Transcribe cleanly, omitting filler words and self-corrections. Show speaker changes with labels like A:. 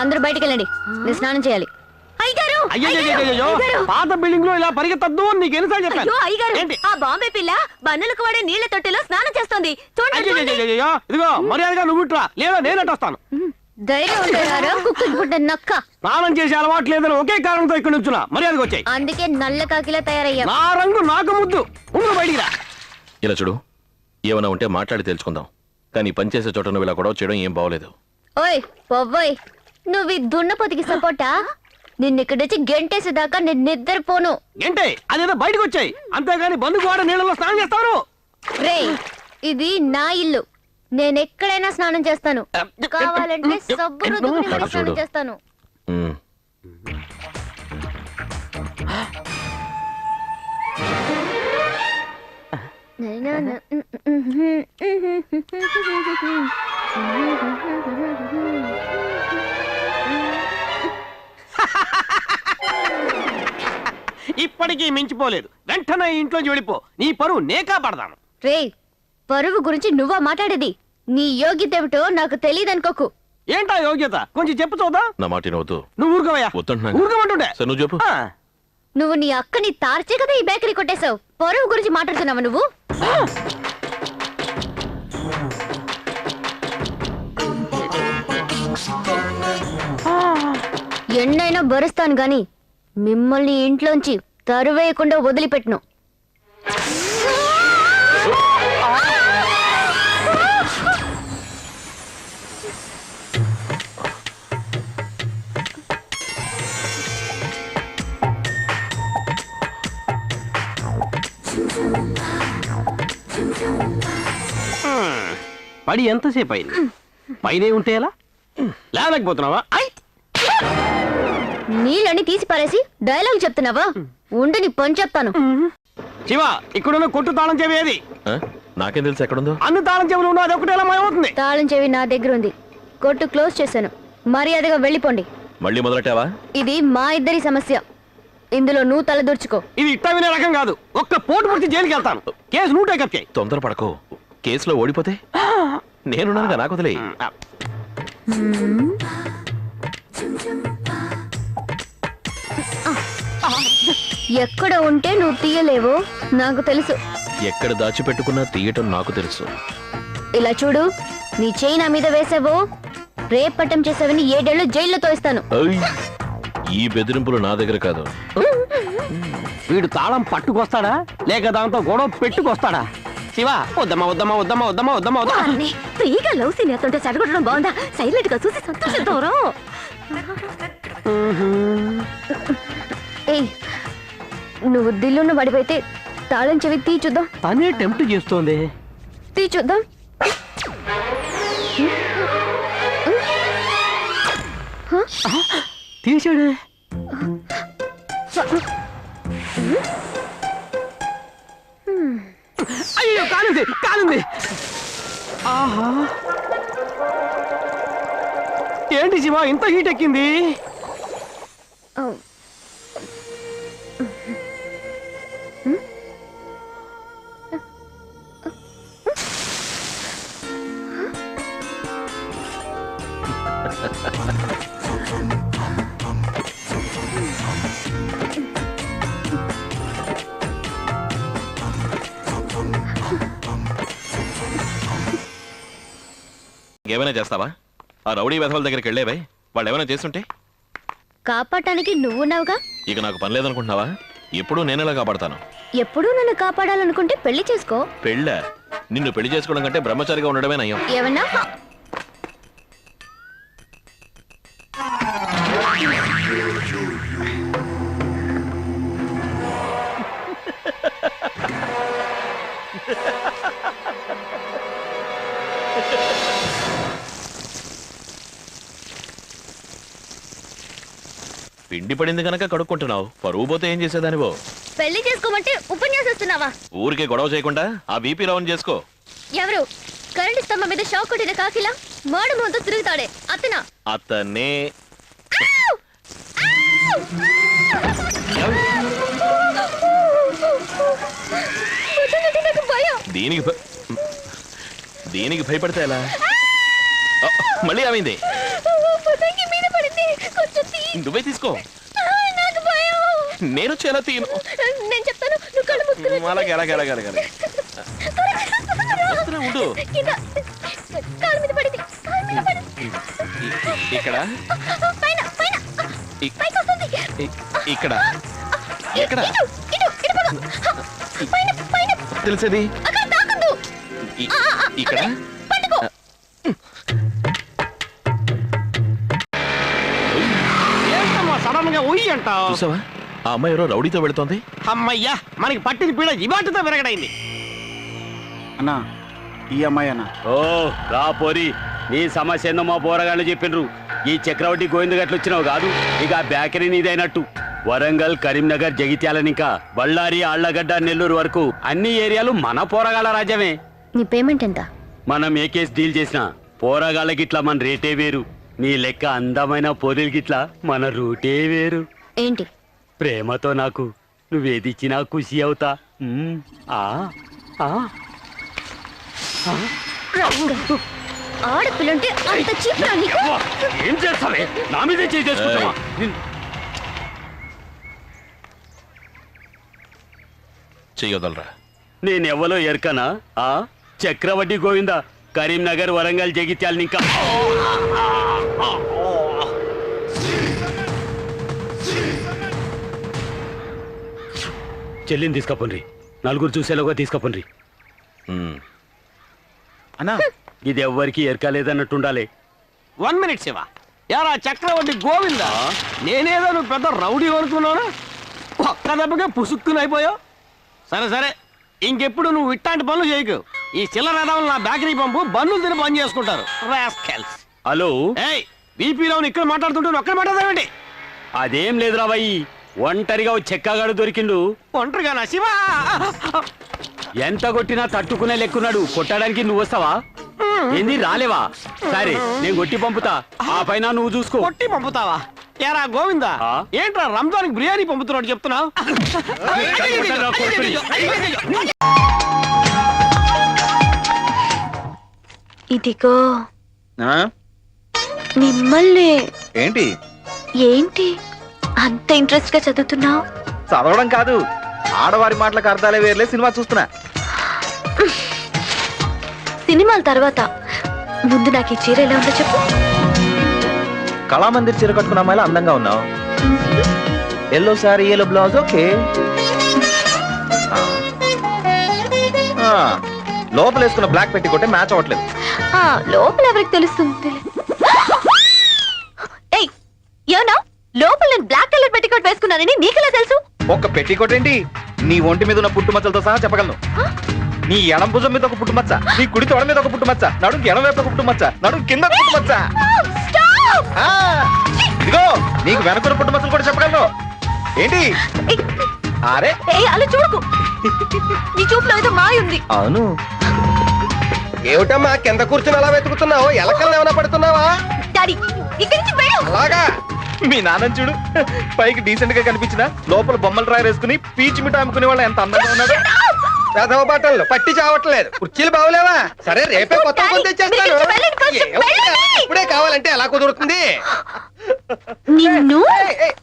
A: అందరూ బయటికి వెళ్ళండి, నేను స్నానం చేయాలి.
B: పాత బిల్డింగ్ లో ఇలా పరిగెత్తద్దు నీకు ఎన్నిసార్లు చెప్పాను.
A: ఆ బాంబే పిల్ల బన్నులకు వాడే నీళ్ల తొట్టెలో స్నానం చేస్తోంది.
B: ఇదిగో మర్యాదగా నువ్వు ఇట్రా, లేదా నేనట్టు వస్తాను.
A: ధైర్యం ఉంటారా కుక్కలు నక్క?
B: స్నానం చేసే అలవాటు లేదని ఒకే కారణంతో ఇక్కడ నుంచున్నా, మర్యాదగా వచ్చాయి.
A: అందుకే నల్ల కాకిలా తయారయ్యా.
B: నా రంగు నాకు ముద్దు, ముందు బయటికి రా.
C: ఇలా చూడు, ఏమైనా ఉంటే మాట్లాడి తెలుసుకుందాం, కానీ పనిచేసే చోట నువ్వు ఇలా గొడవ చేయడం ఏం బాగోలేదు.
A: ఓయ్ పొవ్వోయ్, నువ్వు ఈ దున్నపోతికి సపోర్టా? నిన్నిక్కడొచ్చి గెంటేసేదాకా నేను నిద్రపోను.
B: గంటే అదేదో బయటకు వచ్చాయి, అంతేగాని బంధుకు వాడ నీళ్ళలో స్నానం చేస్తాను.
A: రే, ఇది నా ఇల్లు, నేను ఎక్కడైనా స్నానం చేస్తాను. కావాలంటే సబ్బు రుద్దుకుని మరీ స్నానం చేస్తాను.
B: ఇప్పటికీ మించిపోలేదు, వెంటనే ఇంట్లోంచి వెళ్ళిపో, నీ పరువు నే కాపాడదాను.
A: రే, పరువు గురించి నువ్వా మాట్లాడేది? నీ యోగ్యత ఏమిటో నాకు తెలియదనుకోకు.
B: ఏంటా యోగ్యత, కొంచెం చెప్పు చూద్దాం.
C: నా మాట నవ్వుతూ
B: నువ్వు ఊరుకోవయ్యా, ఊరుకోమంటుండే.
C: నువ్వు చెప్పు.
A: నువ్వు నీ అక్కని తార్చే కదా ఈ బేకరీ కొట్టేశావు. పరువు గురించి మాట్లాడుతున్నావా నువ్వు? ఎన్నైనా భరుస్తాను గాని మిమ్మల్ని ఇంట్లోంచి తరువేయకుండా వదిలిపెట్టును.
B: పడి ఎంతసేపు అయింది? పైనే ఉంటే ఎలా? లేకపోతున్నావా?
A: నీళ్ళని తీసి పారేసి డైలాగ్ చెప్తున్నావా? ఉండి నీ పని చెప్తాను.
B: శివ, ఇక్కడున్న కొట్టు తాళం చెవి ఏది?
C: నాకేం తెలుసు ఎక్కడుందో.
B: అన్ని తాళం చెవులు ఉన్నా అది ఒకటి ఎలా మాయమవుతుంది?
A: తాళం చెవి నా దగ్గర ఉంది, కొట్టు క్లోజ్ చేశాను. మర్యాదగా వెళ్ళిపోండి.
C: మళ్ళీ మొదలెట్టావా?
A: ఇది మా ఇద్దరి సమస్య, ఇందులో నువ్వు తలదూర్చుకో.
B: ఇది ఇట్ట వినే రకం కాదు, ఒక్క పోటు పుడిచి జైలుకి వెళ్తాను. కేసు నువ్వు టేకప్ చేయి.
C: తొందర పడకు, కేసులో ఓడిపోతే నేనున్నానుగా, నాకు వదిలే.
A: ఎక్కడ ఉంటే నువ్వు తీయలేవో నాకు తెలుసు.
C: ఎక్కడ దాచిపెట్టుకున్నా తీయటం నాకు తెలుసు.
A: ఇలా చూడు, నీ చేయి నా మీద వేసావో రేపట్టం చేసావని 7 ఏళ్ళు జైల్లో తోయిస్తాను.
C: ఈ బెదిరింపులు నా దగ్గర కాదు.
B: వీడు తాళం పట్టుకొస్తాడా లేక దాంతో గొడవ పెట్టుకొస్తాడా? శివ, వద్దమ్మా వద్దమ్మా వద్దమ్మా వద్దమ్మా వద్దమ్మా వద్దమ్మా.
A: ఫ్రీగా లవ్ సీన్ ఎత్తుంటే చెడగొట్టడం బాగుందా? సైలెంట్ గా చూసి సంతోషిద్దాం. ఏయ్, నువ్వు దిల్లున్న పడిపోతే తాళం చెవి తీ చూద్దాం.
B: తనే టెంప్ట్ చేస్తోంది.
A: తీ చూద్దాం.
B: తీసాడు. అయ్యో, కాలింది కాలింది. ఆహా, ఏంటి శివ ఇంత హీట్ ఎక్కింది?
C: ఏమైనా చేస్తావా? ఆ రౌడీ వెధవల దగ్గరికి వెళ్ళేవే, వాళ్ళు ఏమైనా చేస్తుంటే
A: కాపాడటానికి నువ్వున్నావుగా.
C: ఇక నాకు పని లేదనుకుంటున్నావా? ఎప్పుడు నేనెలా కాపాడతాను?
A: ఎప్పుడూ నన్ను కాపాడాలనుకుంటే పెళ్లి చేసుకో.
C: పెళ్ళా? నిన్ను పెళ్లి చేసుకోవడం కంటే బ్రహ్మచారిగా ఉండడమే నయం.
A: ఏమన్నా?
C: పిండి పడింది కనుక కడుక్కుంటున్నావు, పరువు పోతే ఏం చేసేదానివో?
A: పెళ్లి చేసుకోమంటే ఉపన్యాసిస్తున్నావా?
C: ఊరికే గొడవ చేయకుండా ఆ బీపీ రౌండ్ చేసుకో.
A: ఎవరు? కరెంట్ స్తంభం మీద షాక్ కొట్టిన కాకిలా మాడు ముందు తిరుగుతాడే అతనా?
C: అతనే. దీనికి భయపడితే ఎలా? మళ్ళీ ఏమైంది? నువ్వే తీసుకో.
A: నాకు భయం.
C: నేను చాలా తీను.
A: నేను చెప్తాను, నువ్వు కళ్ళు మూసుకుని
C: అలాగే వస్తున్నా, ఉండు.
A: కింద. కాలు మీద పడింది, కాలు మీద పడింది.
C: ఇక్కడ
A: పైన పైన పైకి వస్తుంది.
C: ఇక్కడ ఎక్కడ
A: ఇటు ఇటు ఇటు పద. పైన పైన
C: తెలిసేది
A: అక్కడ తాకద్దు.
C: ఇక్కడ
A: పట్టుకో.
B: ఏంటమ్మా సడన్ గా ఉయ్యి అంటావు?
C: చూసావా ఆ అమ్మాయి ఎవరో రౌడీతో వెళుతోంది.
B: అమ్మయ్యా, మనకి పట్టిన పీడ ఇవాటితో విరగడైంది.
D: అన్నా ఈ అమ్మాయి అన్న.
E: ఓ రా పోరి, నీ సమస్య ఏందో మా పోరగాళ్ళు చెప్పిండ్రు. ఈ చక్రవర్తి గోవింద గట్లు వచ్చినావు కాదు, ఇక ఆ బేకరీ నీదైనట్టు. వరంగల్, కరీంనగర్, జగిత్యాల ఇంకా బళ్ళారి, ఆళ్లగడ్డ, నెల్లూరు వరకు అన్ని ఏరియాలు మన పోరగాళ్ళ రాజ్యమే.
A: నీ పేమెంట్ ఎంత?
E: మనం ఏ కేసు డీల్ చేసినా పోరగాళ్ళకి ఇట్లా మన రేటే వేరు. నీ లెక్క అందమైన పోరీలకి ఇట్లా మన రూటే వేరు.
A: ఏంటి?
E: ప్రేమతో నాకు నువ్వేదిచ్చినా ఖుషి అవుతా. ఆ ఆ
A: ఆడపిల్లంటే అంత చీప్రా నీకు?
E: ఏం చేస్తావే? నా మీదే చేసుకుంటావా?
C: చెయ్యొదలరా.
E: నేనెవ్వలో ఎరకనా? ఆ చక్రవడ్డీ గోవింద, కరీంనగర్, వరంగల్, జగిత్యాల ఇంకా చెల్లిని తీసుకపోండి, నలుగురు చూసేలోగా తీసుకపోండి.
D: అన్నా
E: ఇది ఎవ్వరికి ఎరకలేదన్నట్టుండాలి.
B: 1 minute శివ. యారా చక్రవర్తి గోవిందా, నేనేదో నువ్వు పెద్ద రౌడీ అనుకున్నానా? ఒక్క దెబ్బకే పుసుక్కుని అయిపోయావు. సరే సరే, ఇంకెప్పుడు నువ్వు ఇట్లాంటి పనులు చేయకు. ఈ చిల్లర రథం నా బేకరీ పంపు, బన్నులు తిని పని చేసుకుంటారు. రాస్కెల్స్.
E: హలో,
B: ఏయ్, బీపీలో ఇక్కడ మాట్లాడుతుంటే నువ్వు ఒక్కడ మాట్లాడదావేంటి?
E: అదేం లేదురా బాయి, ఒంటరిగా ఓ చెక్కగాడు దొరికిండు.
B: ఒంటరిగానా శివ?
E: ఎంత కొట్టినా తట్టుకునే లెక్కున్నాడు. కొట్టడానికి నువ్వు వస్తావా? ఏంది రాలేవా? సరే నేను కొట్టి పంపుతా, ఆ పైన నువ్వు చూసుకో.
B: కొట్టి పంపుతావా? ఏరా గోవిందా,
E: ఆ?
B: ఏంట్రా రంజాన్కి బిర్యానీ పంపుతున్నాడు చెప్తున్నావు?
A: ఇదిగో
D: ఆ?
A: మిమ్మల్ని.
D: ఏంటి
A: ఏంటి అంత ఇంట్రెస్ట్ గా చదువుతున్నావు?
D: చదవడం కాదు, ఆడవారి మాటలకు అర్థాలే వేర్లే, సినిమా చూస్తున్నా.
A: సినిమాల తర్వాత ముందు నాకు ఈ చీర ఎలా ఉందో చెప్పు.
D: కళామందిర్ చీర కట్టుకున్న అమ్మాయిలా అందంగా ఉన్నావు. Yellow sorry, yellow blouse, okay. లోపల వేసుకున్న బ్లాక్ పెట్టి కొట్టే మ్యాచ్ అవ్వట్లేదు.
A: లోపల ఎవరికి తెలుస్తుంది? ఏయ్, ఏమన్నా? లోపల నేను బ్లాక్ కలర్ పెట్టికోట్ వేసుకున్నానని నీకెలా తెలుసు?
D: ఒక్క పెట్టి కొట్టేంటి, నీ ఒంటి మీద ఉన్న పుట్టుమచ్చలతో సహా చెప్పగలను. నీ ఎడం భుజం మీద ఒక పుట్టుమచ్చ, నీ కుడి తొడ మీద ఒక పుట్టుమచ్చ, నడుం ఎడం వైపు ఒక పుట్టుమచ్చ, నడుం కింద ఒక పుట్టుమచ్చ. ఆ, ఇదిగో నీకు వెనకున్న పుట్టుమచ్చలు కూడా చెప్పగలను. ఏంటి? అరే
A: అలా చూడకు, నీ చూపులో ఏదో మాయ ఉంది.
D: అవును.
F: ఏమిటమ్మా కింద కూర్చుని అలా వెతుకుతున్నావు? ఎలకల్ని ఏమైనా పడుతున్నావా?
A: డాడీ, ఇక్కడి నుంచి వెళ్ళు.
F: అలాగా?
D: మీ నాన్న చూడు, పైకి డీసెంట్ గా కనిపించిన లోపల బొమ్మలు రాయి వేసుకుని పీచు మిఠాయి అమ్ముకునే వాళ్ళు ఎంత అందంగా ఉన్నాడు.
F: పెదవ బట్టలు పట్టి చావట్లేదు, కుర్చీలు బాగలేవా? సరే రేపే కొత్త కొని తెచ్చేస్తాను.
A: వెళ్ళండి, కొంచెం
F: ఏమిటి?
A: వెళ్ళండి.
F: ఇప్పుడే కావాలంటే ఎలా కుదురుతుంది?
A: నిన్ను
F: ఏయ్, ఏయ్,